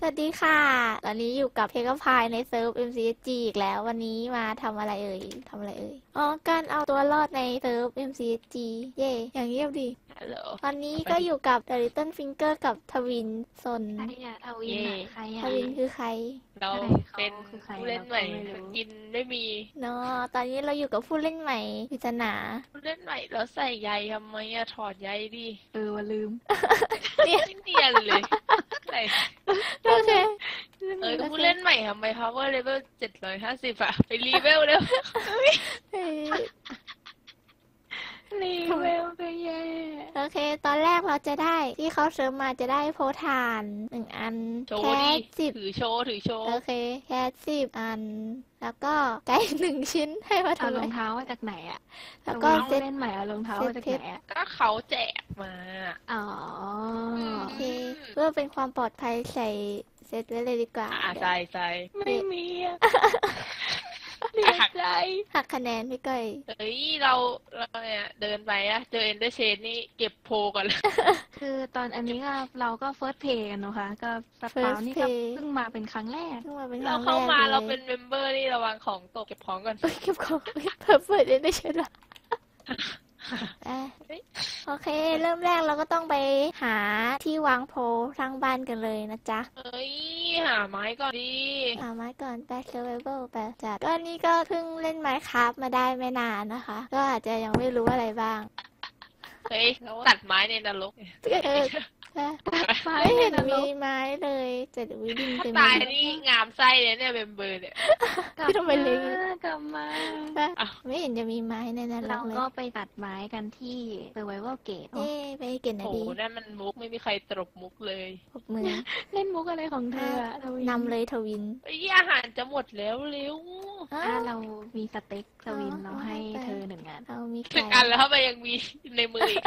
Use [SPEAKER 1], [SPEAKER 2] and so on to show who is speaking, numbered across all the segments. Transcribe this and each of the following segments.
[SPEAKER 1] วัสดีค่ะตอนนี้อยู่กับเทคพายในเซิร์ฟ MCSG อีกแล้ววันนี้มาทำอะไรเอ่ยอ๋อการเอาตัวรอดในเซิร์ฟ MCSG เย่อย่างเงียบดี
[SPEAKER 2] ฮัลโหล
[SPEAKER 1] ตอนนี้ก็อยู่กับ The Little Finger กับทวินซน
[SPEAKER 3] ใครอะทวินอะใคร
[SPEAKER 1] ท
[SPEAKER 3] อะ
[SPEAKER 1] วินคือใคร
[SPEAKER 2] เรา
[SPEAKER 3] ใครเขา
[SPEAKER 2] เป็น
[SPEAKER 3] คือใคร
[SPEAKER 2] ผู้เล่น
[SPEAKER 3] เรา
[SPEAKER 2] ใหม่
[SPEAKER 3] ก็ไม่รู้
[SPEAKER 2] กินไม่มี
[SPEAKER 1] เนาะตอนนี้เราอยู่กับผู้เล่นใหม่ปริศนา
[SPEAKER 2] ผู้เล่นใหม่แล้วใส่ใยทำไมอะถอดใยดิ
[SPEAKER 3] ว่าลืม
[SPEAKER 1] เนี่ย
[SPEAKER 2] ไม่เนียนเลยใส่
[SPEAKER 1] โอเค
[SPEAKER 2] ผู้เล่นใหม่ทำไม power level 750อะไปรีเวลเร็ว
[SPEAKER 1] เฮ้ย
[SPEAKER 3] รีเวลก็แย่
[SPEAKER 1] โอเค ตอนแรกเราจะได้ที่เขาเสริมมาจะได้โพธาน1 อัน
[SPEAKER 2] โช
[SPEAKER 1] แค
[SPEAKER 2] ว์ดิ
[SPEAKER 1] ส10
[SPEAKER 2] ถือโชว์ถือโชว์
[SPEAKER 1] โอเคแคส10 อัน แล้วก็ไก่1 ชิ้นให้มา
[SPEAKER 3] เอา
[SPEAKER 1] ทำ
[SPEAKER 3] ร
[SPEAKER 1] ไม
[SPEAKER 3] องเท้ามาจากไหนอะ
[SPEAKER 1] แล้วก็
[SPEAKER 3] รอง
[SPEAKER 1] เซ
[SPEAKER 3] เท้า
[SPEAKER 1] ต
[SPEAKER 3] เล่นใหม่เอารองเท้ามาจากไหนอะ
[SPEAKER 2] ก็เขาแจกมา
[SPEAKER 3] อ๋อ
[SPEAKER 1] โอเคเพื่อเป็นความปลอดภัยใส่เซตไว้เลยดีกว่า
[SPEAKER 2] ใส่ใส่
[SPEAKER 3] ไม่มีอะเสียใจ
[SPEAKER 1] หักคะแนนพี่ก้อย
[SPEAKER 2] เฮ้ยเราเนี่ยเดินไปอะเจอเอนเดอร์เชนนี่เก็บโพก่อนเลย
[SPEAKER 3] คือตอนอันนี้ก็เราก็เฟิร์สเพย์กันนะคะก็สปาวนี่ก็เพิ่งมาเป็นครั้งแรก
[SPEAKER 1] เพิ่งมาเป็นค
[SPEAKER 2] เรา
[SPEAKER 1] รั้งแร
[SPEAKER 2] เข้าก มา
[SPEAKER 1] เล
[SPEAKER 2] เรา
[SPEAKER 1] ย
[SPEAKER 2] เป็นเมมเบอร์นี่ระวังของตกเก็บของก่อน
[SPEAKER 1] เก็บของเพิ่มเปิดได้ใช่ไหมโอเค เริ่มแรกเราก็ต้องไปหาที่วางโพลทางบ้านกันเลยนะจ๊ะ
[SPEAKER 2] เฮ้ยหาไม้ก่อนดิ
[SPEAKER 1] หาไม้ก่อนไป survival ไปจัดก็นี่ก็เพิ่งเล่น Minecraft มาได้ไม่นานนะคะ ก็อาจจะยังไม่รู้อะไรบ้าง
[SPEAKER 2] เฮ้ยตัดไม้ในนรก
[SPEAKER 1] เออไม่เห็นมีไม้เลยจะดูดิน
[SPEAKER 2] ถ้า
[SPEAKER 1] เต็ม
[SPEAKER 2] ตาย
[SPEAKER 1] เลย
[SPEAKER 2] นี่งามไส้เลยเนี่ยเมมเบอร์เนี่ย
[SPEAKER 1] พี่ทำไมเล็ง
[SPEAKER 3] กลับมา
[SPEAKER 1] ไม่เห็นจะมีไม้ในนั้นหร
[SPEAKER 3] เรา
[SPEAKER 1] อกเลย
[SPEAKER 3] ก็ไปตัดไม้กันที่ Survival Gate
[SPEAKER 1] เอ้ไปเก็บหน่อย
[SPEAKER 2] โอ้
[SPEAKER 1] ดี
[SPEAKER 2] นั่นมันมุกไม่มีใครตรบมุกเลย
[SPEAKER 1] ปรบมือ
[SPEAKER 3] เล่นมุกอะไรของเธออะทวิ
[SPEAKER 1] นำเลยทวิน
[SPEAKER 2] เฮ้ยอาหารจะหมดแล้วเร็ว
[SPEAKER 3] ถ้าเรามีสเต็กทวิน
[SPEAKER 1] อ๋อ
[SPEAKER 3] เราให้
[SPEAKER 1] ให้ไป
[SPEAKER 3] เธอ1 อัน
[SPEAKER 1] เรามี
[SPEAKER 2] ถึ
[SPEAKER 1] ไก่
[SPEAKER 2] งอันแล้วทำไมยังมีในมืออีก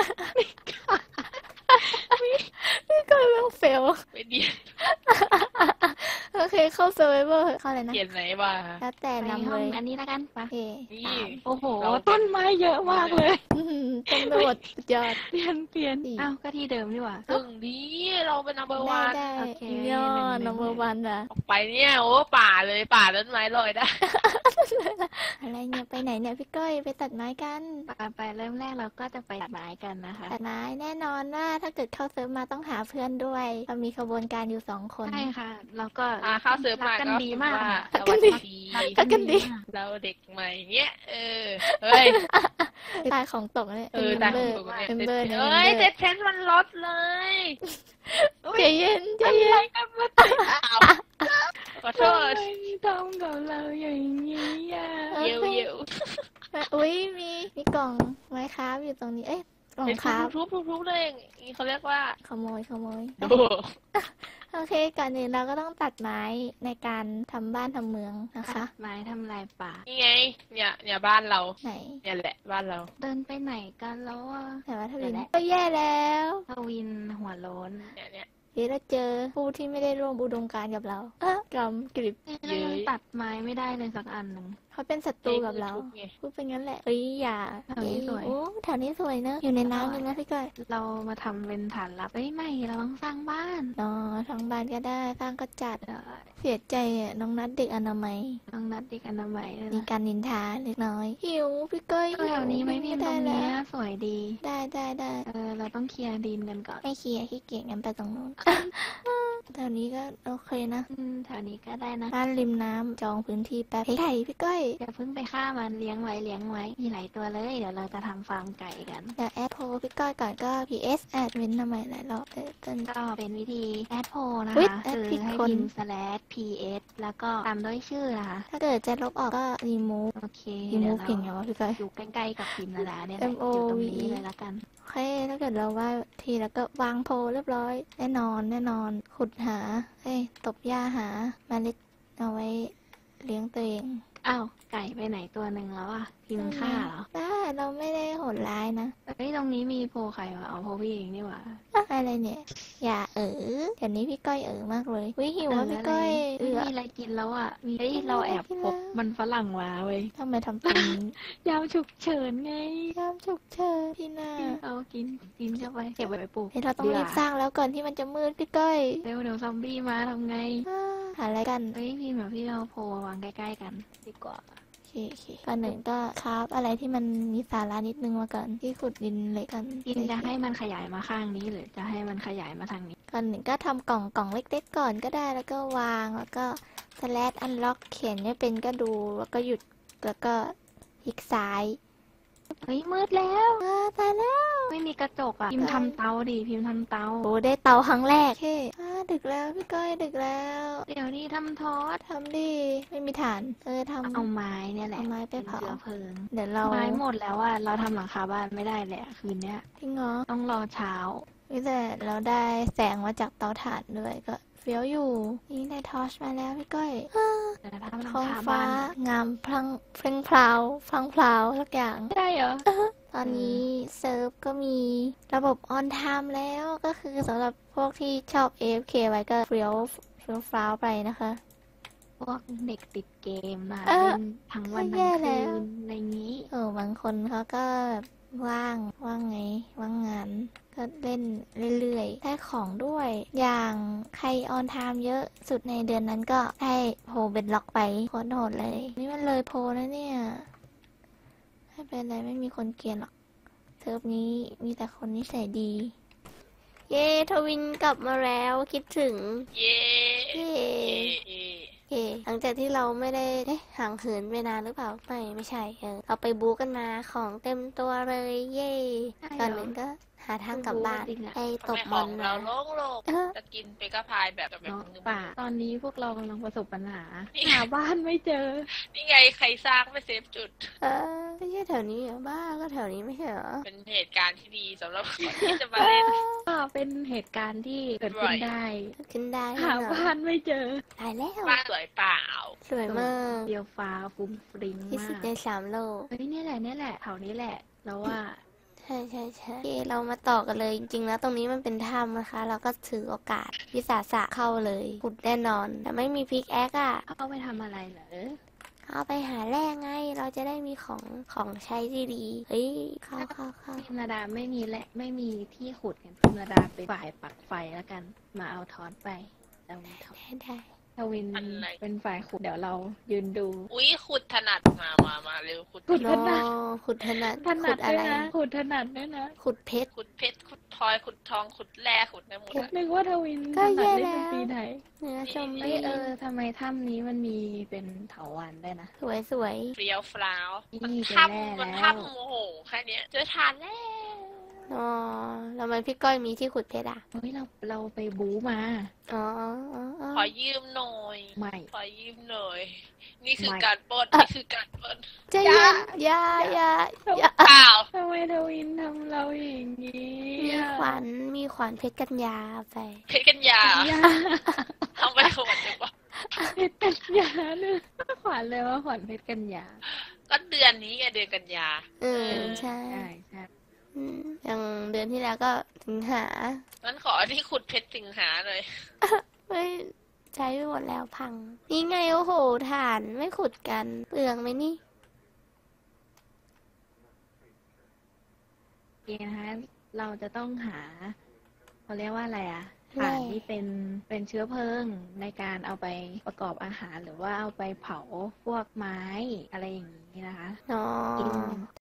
[SPEAKER 1] พี่ก้อยแม่งเฟล
[SPEAKER 2] ไม่ดี
[SPEAKER 1] โอเคเข้า survival เข้าเลยนะ
[SPEAKER 2] เขียนไหนวะ
[SPEAKER 1] แล้วแต่
[SPEAKER 3] ไป
[SPEAKER 1] นำ
[SPEAKER 3] ห้
[SPEAKER 1] เล
[SPEAKER 3] อง
[SPEAKER 1] ย
[SPEAKER 3] อันนี้ละกันปะ
[SPEAKER 1] โอเค
[SPEAKER 2] นี่
[SPEAKER 3] โอ้โห
[SPEAKER 2] เรา
[SPEAKER 3] ต้นไม้เยอะมากเลย
[SPEAKER 1] เต็มไปหมดสุดยอด
[SPEAKER 3] เปลี่ยน
[SPEAKER 1] สี่
[SPEAKER 3] อ้าวก็ที่เดิมดีกว่า
[SPEAKER 2] ถึงดีเราเป็น number
[SPEAKER 1] ได้
[SPEAKER 2] one
[SPEAKER 1] ได้
[SPEAKER 3] โอเค
[SPEAKER 1] ยอด
[SPEAKER 3] หนึ่ง
[SPEAKER 1] number one อะ
[SPEAKER 2] ออกไปเนี่ยโอ้ป่าเลยป่าต้นไม้ลอยได้
[SPEAKER 1] อะไรเนี่ยไปไหนเนี่ยพี่ก้อยไปตัดไม้กัน
[SPEAKER 3] ไปเริ่มแรกเราก็จะไปตัดไม้กันนะคะ
[SPEAKER 1] ตัดไม้แน่นอนว่าถ้าเกิดเข้าเซิร์ฟมาต้องหาเพื่อนด้วยเรามีขบวนการอยู่2 คน
[SPEAKER 3] ใช่ค่ะ เราก็
[SPEAKER 2] เข้าเซิร์ฟ
[SPEAKER 3] รั
[SPEAKER 2] มาก
[SPEAKER 3] กัน
[SPEAKER 2] ก็
[SPEAKER 3] ดีมาก
[SPEAKER 2] ว่า
[SPEAKER 3] ค่ะ
[SPEAKER 2] สวัสดี
[SPEAKER 1] รักกันดี
[SPEAKER 2] เราเด็กใหม่เงี้ยเฮ้ย
[SPEAKER 1] ตายของตกเนี่ย
[SPEAKER 2] ตาย
[SPEAKER 1] เม
[SPEAKER 2] ของ
[SPEAKER 1] เบอ
[SPEAKER 2] ต
[SPEAKER 1] ร์
[SPEAKER 2] กเนี่ย
[SPEAKER 1] เมมเบอร์เนี่ย
[SPEAKER 2] เอ้ยเซ็ตเพนมันลดเลย
[SPEAKER 1] ใจเย็นใจ
[SPEAKER 3] อะไร
[SPEAKER 1] เย็น
[SPEAKER 3] กันมา
[SPEAKER 2] อ้าวขอโทษ
[SPEAKER 3] ทำกับเราอย่างนี้อ่ะ
[SPEAKER 2] เยวเยว
[SPEAKER 1] อุ้ยมีกล่องไม้ค้าอยู่ตรงนี้เอ๊ะกล่อง
[SPEAKER 2] เป็น
[SPEAKER 1] ค้า
[SPEAKER 2] ทุบเลยอย่างนี้เขาเรียกว่า
[SPEAKER 1] ขโมย
[SPEAKER 2] โอ้
[SPEAKER 1] โอเคก่อนอื่นเราก็ต้องตัดไม้ในการทำบ้านทำเมืองนะคะ
[SPEAKER 3] ไม้ทำลายป่า
[SPEAKER 2] นี่ไงเนี่ยบ้านเรา
[SPEAKER 1] ไหน
[SPEAKER 2] เนี่ยแหละบ้านเรา
[SPEAKER 3] เดินไปไหนกันแล้วอ่ะ
[SPEAKER 1] แต่ว่าทวิน
[SPEAKER 3] เดี๋ยวนะ
[SPEAKER 1] ก็แย่แล้ว
[SPEAKER 3] ทวินหัวโล้น
[SPEAKER 2] เนี่ย
[SPEAKER 1] เดี๋ยวเราเจอผู้ที่ไม่ได้ร่วมอุดมการณ์กับเรากำกริบ
[SPEAKER 3] เรายังตัดไม้ไม่ได้เลยสักอันหนึ่ง
[SPEAKER 1] เขาเป็นศัตรูกับเรา
[SPEAKER 2] ทุบไง
[SPEAKER 1] พูดเป็นงั้นแหละเอ้ยอย่า
[SPEAKER 3] แถวนี้สวย
[SPEAKER 1] โอ้แถวนี้สวยเนอะอยู่ในน้ำเลยนะพี่ก้อย
[SPEAKER 3] เรามาทำเป็นฐานลับเอ้ยไม่เราต้องสร้างบ้าน
[SPEAKER 1] อ๋อทางบ้านก็ได้สร้างก็จัด
[SPEAKER 3] เดี๋ยว
[SPEAKER 1] เสียใจอ่ะน้องนัดเด็กอนามัย
[SPEAKER 3] ต้องนัดเด็กอนามัยด้วย
[SPEAKER 1] มี
[SPEAKER 3] นะ
[SPEAKER 1] การนินทาเล็กน้อยหิวพี่ก้อย
[SPEAKER 3] แถวนี้ไหมพี่ตรง
[SPEAKER 1] ได้
[SPEAKER 3] เนี้ย
[SPEAKER 1] แล้ว
[SPEAKER 3] สวยดี
[SPEAKER 1] ได้
[SPEAKER 3] เราต้องเคลียร์ดินกันก่อน
[SPEAKER 1] ไม่เคลียร์ขี้เกียจงั้นไปตรงนู้นแถวนี้ก็โอเคนะ
[SPEAKER 3] แถวนี้ก็ได้นะ
[SPEAKER 1] บ้านริมน้ำจองพื้นที่แป๊บไก่พี่ก้อย
[SPEAKER 3] อย่าเพิ่งไปฆ่ามันเลี้ยงไว้มีหลายตัวเลยเดี๋ยวเราจะทำฟาร์มไก่กัน
[SPEAKER 1] เดี๋ยวแอดโพลพี่ก้อยก่อนก็ PS แอดเว้นทำไมหลายรอบเลยจน
[SPEAKER 3] ก็เป็นวิธีแอดโพนะ
[SPEAKER 1] อุ๊ย
[SPEAKER 3] คะ
[SPEAKER 1] แอด
[SPEAKER 3] คือ
[SPEAKER 1] ผิด
[SPEAKER 3] ให้
[SPEAKER 1] คน
[SPEAKER 3] พิมพ์ /ps แล้วก็ตามด้วยชื่อนะคะ
[SPEAKER 1] ถ้าเกิดจะลบออกก็ remove
[SPEAKER 3] โอเค
[SPEAKER 1] remove
[SPEAKER 3] เดี๋
[SPEAKER 1] เก่
[SPEAKER 3] ย
[SPEAKER 1] ง
[SPEAKER 3] ว
[SPEAKER 1] ไง
[SPEAKER 3] เรา
[SPEAKER 1] วะพี่ก้อย
[SPEAKER 3] อยู่ใกล้ๆกับพิมพ์ดาเนี่ยแหละ
[SPEAKER 1] M O
[SPEAKER 3] อยู่ตรง
[SPEAKER 1] V
[SPEAKER 3] นี้เลยละกัน
[SPEAKER 1] โอเคถ้าเกิดเราว่าทีแล้วก็วางโพลเรียบร้อย แน่นอน ขุดหาตบหญ้าหาเมล็ดเอาไว้เลี้ยงตัวเอง
[SPEAKER 3] อ้าวไก่ไปไหนตัวหนึ่งแล้วอ่ะพิมพ์ฆ่าเหรอ
[SPEAKER 1] ได้เราไม่ได้โหดร้ายนะ
[SPEAKER 3] เฮ้ยตรงนี้มีโพใครวะเอาโพพี่เองนี่หว่า
[SPEAKER 1] อะไรเนี่ย อย่าเดี๋ยวนี้พี่ก้อยมากเลยวิหิวว่าพี่ก้อย
[SPEAKER 3] ไม่มีอะไรกินแล้วอ่ะมีเฮ้ยเราแอบพบมันฝรั่งมาเว้ย
[SPEAKER 1] ทำไมทำตัวนี้
[SPEAKER 3] ยามฉุกเฉินไง
[SPEAKER 1] ยามฉุกเฉินพี่นา
[SPEAKER 3] เอากินเข้าไปเก็บไว้ปลูก
[SPEAKER 1] เฮ้ยเราต้องรีบสร้างแล้วก่อนที่มันจะมืดพี่ก้อย
[SPEAKER 3] เร็วเดี๋ยวซอมบี้มาทำไง
[SPEAKER 1] หาอะไรกัน
[SPEAKER 3] เฮ้ยพี่แบบพี่เอาโพวางใกล้ๆกันดีกว่า
[SPEAKER 1] โอเคก่อนหนึ่งก็คราฟอะไรที่มันมีสาระนิดนึงมาก่อนที่ขุดดินเหล็กกัน
[SPEAKER 3] กินจะให้มันขยายมาข้างนี้หรือจะให้มันขยายมาทางนี้
[SPEAKER 1] ก่อนหนึ่งก็ทำกล่องเล็กๆก่อนก็ได้แล้วก็วางแล้วก็/unlock เขียนไม่เป็นก็ดูแล้วก็หยุดแล้วก็คลิกซ้าย
[SPEAKER 3] เฮ้ยมืดแล้ว
[SPEAKER 1] ตายแล้ว
[SPEAKER 3] ไม่มีกระจกอ่ะพิมพ์ทำเตาดิพิมพ์ทำเตา
[SPEAKER 1] โอ้ได้เตาครั้งแรกโอเคดึกแล้วพี่ก้อยดึกแล้ว
[SPEAKER 3] เดี๋ยวนี้ทำทอด
[SPEAKER 1] ทำดิไม่มีฐานทำ
[SPEAKER 3] เอาไม้เนี่ยแหละ
[SPEAKER 1] เอาไม้ไปเผา
[SPEAKER 3] นเชื้อเพลิง
[SPEAKER 1] เดี๋ยวเรา
[SPEAKER 3] ไม้หมดแล้วอ่ะเราทำหลังคาบ้านไม่ได้แหละคืนเนี้ย
[SPEAKER 1] พี่งอ
[SPEAKER 3] ต้องรอเช้า
[SPEAKER 1] แต่เราได้แสงมาจากเตาถ่านด้วยก็เฟี้ยวอยู่นี่ได้ทอร์ชมาแล้วพี่ก้อย
[SPEAKER 3] แต่ถ้าทำหลัง
[SPEAKER 1] ท้อง
[SPEAKER 3] คา
[SPEAKER 1] ฟ้า
[SPEAKER 3] บ้าน
[SPEAKER 1] งามพลังเพลงพราวพลังพราวทุกอย่าง
[SPEAKER 3] ไม่ได้เหรอ
[SPEAKER 1] ตอนนี้เซิร์ฟก็มีระบบออนไทม์แล้วก็คือสำหรับพวกที่ชอบ AFK ไว้ก็เฟี้ยวฟราวไปนะคะ
[SPEAKER 3] พวกเด็กติดเกมมา
[SPEAKER 1] เออ
[SPEAKER 3] เล่นทั้งวัน
[SPEAKER 1] แย่
[SPEAKER 3] ทั้ง
[SPEAKER 1] แล้
[SPEAKER 3] คื
[SPEAKER 1] ว
[SPEAKER 3] นอะไรงี้
[SPEAKER 1] บางคนเขาก็แบบว่างไงว่างงานก็เล่นเรื่อยๆได้ของด้วย อย่างใครออนไทม์เยอะสุดในเดือนนั้นก็ได้โพเบ็ดล็อกไปโคตรโหดเลย นี่มันเลยโพแล้วเนี่ยไม่เป็นไรไม่มีคนเกลียดหรอกเซิร์ฟนี้มีแต่คนนิสัยดี เย้ทวินกลับมาแล้วคิดถึง
[SPEAKER 2] เย้
[SPEAKER 1] เย้
[SPEAKER 2] เย้
[SPEAKER 1] โอเคหลังจากที่เราไม่ได้ห่างเหินไปนานหรือเปล่าไม่ใช่เราไปบู๊กันมาของเต็มตัวเลยเย่
[SPEAKER 3] ใช่เหรอ
[SPEAKER 1] ก่อนหนึ่งก็หาทางกลับบ้าน
[SPEAKER 3] บู๊จริงอะ
[SPEAKER 1] ไปต
[SPEAKER 2] ทำ
[SPEAKER 1] บ
[SPEAKER 2] ไม
[SPEAKER 1] ม
[SPEAKER 2] ข
[SPEAKER 1] อ
[SPEAKER 2] อน ง
[SPEAKER 1] มา
[SPEAKER 2] เราโล่ง
[SPEAKER 1] เออ
[SPEAKER 2] ๆจะกินเปกาพายแบบ
[SPEAKER 3] เนาะ
[SPEAKER 2] นึง
[SPEAKER 3] ป่าตอนนี้พวกเรากำลังประสบปัญหา
[SPEAKER 2] นี่
[SPEAKER 3] หาบ้านไม่เจอ
[SPEAKER 2] นี่ไงใครสร้างไม่เซฟจุด
[SPEAKER 1] ไม่ใช่แถวนี้เหรอบ้าก็แถวนี้ไม่ใช่เหรอ
[SPEAKER 2] เป็นเหตุการณ์ที่ดีสำหรับคนที่จะมาเล่น
[SPEAKER 3] ก็เป็นเหตุการณ์ที่เกิดขึ้นได้
[SPEAKER 1] ขึ้นได้
[SPEAKER 3] หา
[SPEAKER 1] แน่นอน
[SPEAKER 3] บ้านไม่เจอ
[SPEAKER 1] ตายแล้ว
[SPEAKER 2] บ้านสวยเปล่า
[SPEAKER 1] สวยมาก
[SPEAKER 3] เดียวฟ้าฟุ้งฟริ้ง
[SPEAKER 1] ที่
[SPEAKER 3] มา
[SPEAKER 1] สุด
[SPEAKER 3] ก
[SPEAKER 1] ใน3 โลก
[SPEAKER 3] เฮ้ยเนี่ยแหละแถวนี้แหละแล้วว่า
[SPEAKER 1] ใช่โอเคเรามาต่อกันเลยจริงๆแล้วตรงนี้มันเป็นถ้ำนะคะ เราก็ถือโอกาสวิสาสะเข้าเลยขุดแน่นอน แต่ไม่มีพิกแอคอะ
[SPEAKER 3] เอาไปทำอะไรเหรอ
[SPEAKER 1] เอาไปหาแร่ไง เราจะได้มีของใช้ที่ดีเฮ้ยเข้า
[SPEAKER 3] พิมนาดาไม่มีและไม่มีที่ขุดกันพิมนาดาเป็นฝ่ายปักไฟแล้วกัน มาเอาทอนไปแล้ว
[SPEAKER 1] ได้
[SPEAKER 3] ทวิน
[SPEAKER 2] อะไร
[SPEAKER 3] เป็นฝ่ายขุดเดี๋ยวเรายืนดู
[SPEAKER 2] อุ๊ยขุดถนัดมาเร็วขุด
[SPEAKER 3] ขุด
[SPEAKER 1] โนขุดถนัด
[SPEAKER 3] ถนั
[SPEAKER 1] ขุ
[SPEAKER 3] ด
[SPEAKER 1] ด
[SPEAKER 3] ด้
[SPEAKER 1] อะ
[SPEAKER 3] วย
[SPEAKER 1] ไร
[SPEAKER 3] นะขุดถนัดด้วยนะ
[SPEAKER 1] ขุดเพชร
[SPEAKER 2] ขุดเพชรขุดพลอยขุดทองขุดแร่ขุดได้หมดอะ
[SPEAKER 3] นึกว่าทวิน
[SPEAKER 1] ก็
[SPEAKER 3] ถนัด
[SPEAKER 1] แย่
[SPEAKER 3] เล่น
[SPEAKER 1] แล้ว
[SPEAKER 3] ดนตรีไทย
[SPEAKER 1] เนื้อชม
[SPEAKER 3] เอ้ย
[SPEAKER 1] ดี
[SPEAKER 3] ทำไมถ้ำนี้มันมีเป็นเถาวัลย์ได้วยนะ
[SPEAKER 1] สวย
[SPEAKER 2] เปรี้ยวฟลาว
[SPEAKER 3] นี่
[SPEAKER 2] มัน
[SPEAKER 3] เจอ
[SPEAKER 2] ถ้
[SPEAKER 3] แร่
[SPEAKER 2] ำมัน
[SPEAKER 3] แล้ว
[SPEAKER 2] ถ้ำโอ้โหแค่เนี้ยเจอทานแล้ว
[SPEAKER 1] อ๋อแล้วมันพี่ก้อยมีที่ขุดเพชรอ่ะ
[SPEAKER 3] เฮ้ยเราไปบู๊มา
[SPEAKER 1] อ๋อ
[SPEAKER 2] ขอยืมหน่อย
[SPEAKER 3] ไม่
[SPEAKER 2] ขอยืมหน่อย นี่คือ
[SPEAKER 3] ไม่
[SPEAKER 2] การปล้นนี่คือการปล้น
[SPEAKER 1] ใจเย็นอย่า
[SPEAKER 2] เปล่า
[SPEAKER 3] ทำไมทวินทำเราอย่างนี้
[SPEAKER 1] มีขวานเพชรกัญญาไป
[SPEAKER 2] เพชรกัญญา
[SPEAKER 3] อย่า
[SPEAKER 2] ทำไปขวดดีกว่า
[SPEAKER 3] เพชรกัญญาเนี่ยขวัญเลยว่าขวัญเพชรกัญญา
[SPEAKER 2] ก็เดือนนี้ไงเดือนกันยา
[SPEAKER 1] ใช่
[SPEAKER 3] ใช่ใช่
[SPEAKER 1] อย่างเดือนที่แล้วก็สิงหา
[SPEAKER 2] งั้นขอที่ขุดเพชรสิงหาหน่อย
[SPEAKER 1] เฮ้ยใช้ไปหมดแล้วพัง นี่ไงโอ้โหฐานไม่ขุดกันเปลืองไหมนี่
[SPEAKER 3] โอเคนะคะเราจะต้องหาเขาเรียกว่าอะไรอะ
[SPEAKER 1] แร่
[SPEAKER 3] ถ่านที่เป็นเชื้อเพลิงในการเอาไปประกอบอาหารหรือว่าเอาไปเผาพวกไม้อะไรอย่างนี้นะคะ
[SPEAKER 1] อ๋อ
[SPEAKER 3] กิน